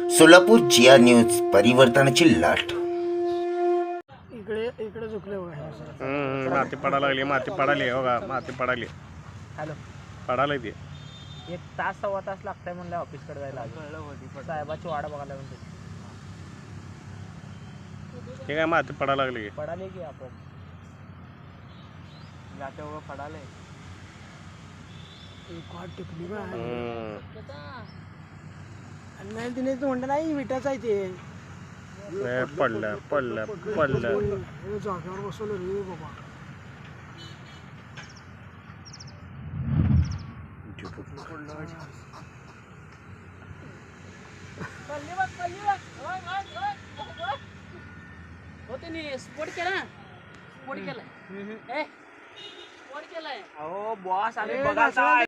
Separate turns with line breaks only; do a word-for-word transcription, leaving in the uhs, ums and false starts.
सोलापूर जिया news परिवर्तनाची लाट.
इकडे इकडे झुकले बघा.
हम्म, माती पडायला लागली, माती पडाली हो का, माती पडाली.
हॅलो,
पडायला ते
एक तास सव्वा तास लागतंय म्हणलं ऑफिसकडे जायला. साहेबाची वाट बघायला म्हणते.
हे काय माती पडायला लागली,
पडाले की आपण जाते वगैरे पडाले. एक वाट टिकली बा आणि नाही तिने तू म्हणलं नाही विटाच आहे ते.
पडलं पडलं पडलं
जागेवर बसवलं रे बाबा.
स्पोर्ट केला स्पोर्ट केलाय स्पोर्ट केलाय.
अहो बॉस आम्ही बघा